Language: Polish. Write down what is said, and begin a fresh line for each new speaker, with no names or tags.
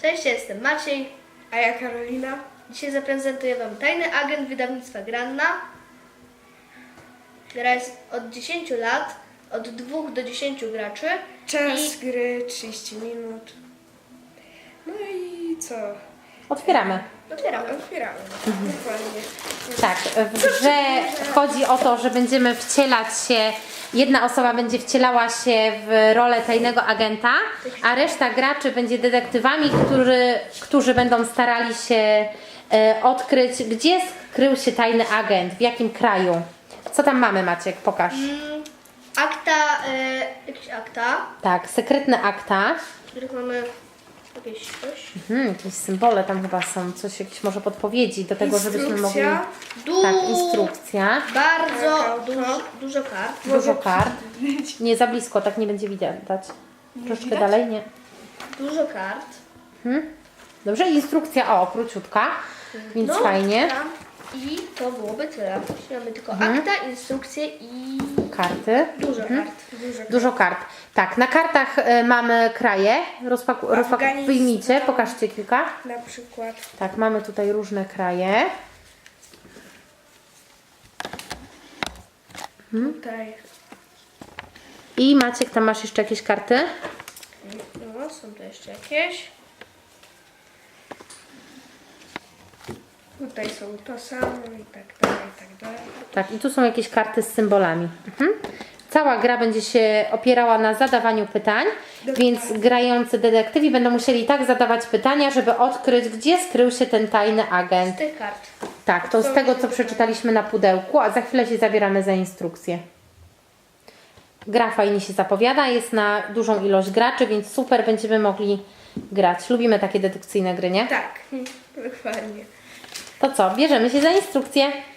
Cześć, jestem Maciej.
A ja Karolina.
Dzisiaj zaprezentuję Wam Tajny Agent wydawnictwa Granna. Gra jest od 10 lat, od 2 do 10 graczy.
Czas gry 30 minut. No i co?
Otwieramy.
Otwieramy.
Otwieramy. Dokładnie.
Tak, w grze chodzi o to, że będziemy wcielać się, jedna osoba będzie wcielała się w rolę tajnego agenta, a reszta graczy będzie detektywami, którzy będą starali się odkryć, gdzie skrył się tajny agent, w jakim kraju. Co tam mamy, Maciek? Pokaż.
Akta, jakieś akta,
Tak, sekretne akta.
w których mamy jakieś coś.
Jakieś symbole tam chyba są, coś, jakieś może podpowiedzi do tego, żebyśmy mogli...
Instrukcja.
Tak, instrukcja.
Bardzo
Taka
dużo kart.
Dużo kart. Nie za blisko, tak nie będzie widać. Troszeczkę
widać?
dalej, nie.
Dużo kart.
Dobrze, instrukcja, o, króciutka, więc
No,
fajnie.
tam. I to byłoby tyle. Jeśli mamy tylko akta, instrukcje i
Karty.
dużo kart.
Dużo kart. Tak, na kartach mamy kraje.
Afganistan.
Wyjmijcie, pokażcie kilka.
Na przykład.
Tak, mamy tutaj różne kraje.
Tutaj.
I Maciek, tam masz jeszcze jakieś karty?
No, są tu jeszcze jakieś.
Tutaj są to samo i tak dalej, i tak dalej.
Tak, i tu są jakieś karty z symbolami. Cała gra będzie się opierała na zadawaniu pytań, więc grający detektywi będą musieli tak zadawać pytania, żeby odkryć, gdzie skrył się ten tajny agent.
Z tych kart.
Tak, to z tego, co przeczytaliśmy na pudełku, a za chwilę się zabieramy za instrukcję. Gra fajnie się zapowiada, jest na dużą ilość graczy, więc super, będziemy mogli grać. Lubimy takie dedukcyjne gry, nie?
Tak, dokładnie.
To co, bierzemy się za instrukcję.